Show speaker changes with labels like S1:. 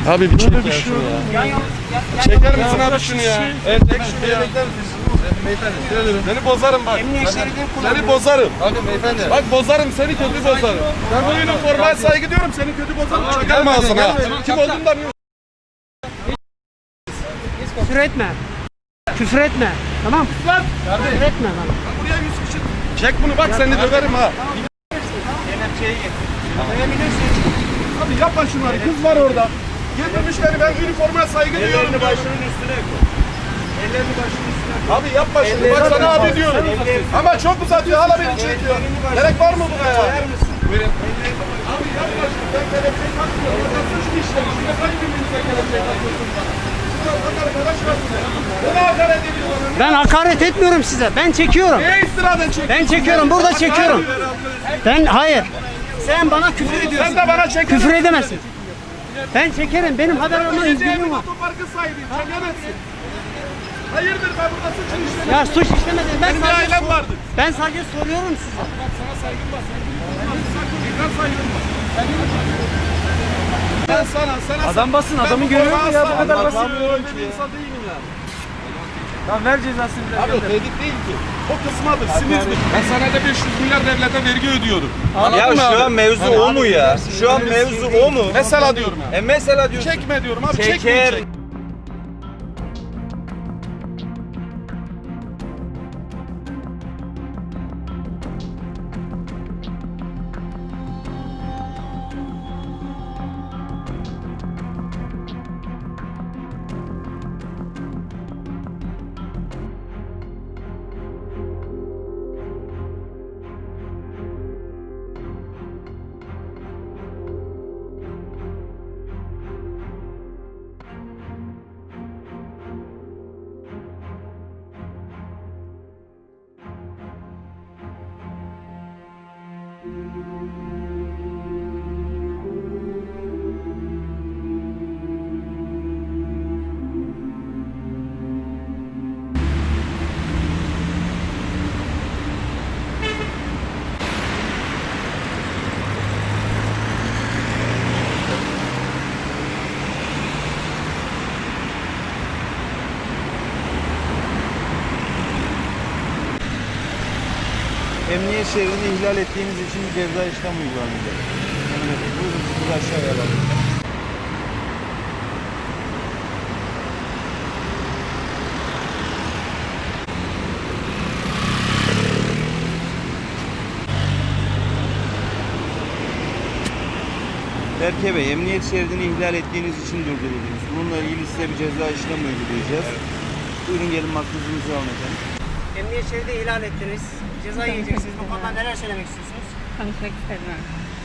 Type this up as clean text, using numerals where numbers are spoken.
S1: Abi bir çek ya şunu ya. Çeker misin abi şunu ya? Evet, çek şunu ya.
S2: Beyefendi,
S1: Seni bozarım bak. Seni bozarım.
S2: bakın beyefendi.
S1: Bak bozarım, seni kötü bozarım. Ben bu üniformaya saygı diyorum, seni kötü bozarım. Çeker mi ağzına? Kim olduğunu da bilmiyorum.
S3: Küfür etme. Küfür etme. Tamam.
S1: Lan!
S3: Küfür etme bana.
S1: Buraya 100 kişi. Çek bunu bak, seni döverim ha. Abi yapma şunları, kız var orada. Getirmiş beni, ben üniformaya saygı duyuyorum.
S2: Ellerini başının üstüne koy. Ellerini başının üstüne koy.
S1: Abi yapma şunu, bak sana abi diyorum. Ama çok uzatıyor, hala beni çekiyor. Gerek var mı buna ya? Buyurun. Abi yapma şunu, ben kelepçeyi takmıyorum. Burada suç mu işlemiş? Ne kaç birbirinize kelepçeyi takıyorsunuz da? Siz bak arkadaş var size. Bana hakaret ediyorlar.
S3: Ben hakaret etmiyorum size. Ben çekiyorum.
S1: Neye istiraden çekiyorsun?
S3: Ben çekiyorum. Burada çekiyorum. Ben hayır. Sen bana küfür ediyorsun.
S1: Sen de bana çek.
S3: Küfür edemezsin. Ben çekerim. Benim haber alma özgürlüğüm var.
S1: Otoparkı sahibiyim. Çekemezsin. Hayırdır, ben burada suç işlemedim.
S3: Ya suç işlemedim.
S1: Benim bir ailem vardı.
S3: Ben sadece soruyorum size.
S1: Bak sana saygım var. Sen saygım var. Ben sana
S2: Adam basın,
S1: ben
S2: adamı
S1: bu
S2: görüyor mu
S1: forma
S2: ya?
S1: asla
S2: Bu kadar basit.
S1: anlamıyorum ki ya. İnsan değilim ya.
S2: Tamam, ver cezasını.
S1: Abi o tehdit değil ki. O kısmadır, sinirdir. Ben senede 500 milyar devlete vergi ödüyorum.
S4: Ya
S1: Anladın mı
S4: şu
S1: abi?
S4: an mevzu o mu ya? Şu an mevzu o mu?
S1: Mesela diyorum ya.
S4: Mesela diyorsun.
S1: Çekme diyorum abi,
S4: Çeker.
S1: çekmeyecek.
S4: Emniyet şeridini ihlal ettiğiniz için bir ceza işlem uygulanacak. Buyurun, sizi aşağıya alalım. Berke Bey, emniyet şeridini ihlal ettiğiniz için durduruldunuz. Bununla ilgili size bir ceza işlem uygulayacağız. Buyurun gelin makbuzunuzu alın efendim.
S3: Emniyet şeridi ihlal ettiniz. Ceza yiyeceksiniz. Bu konuda neler söylemek istiyorsunuz?
S5: Konuşmak istemiyorum.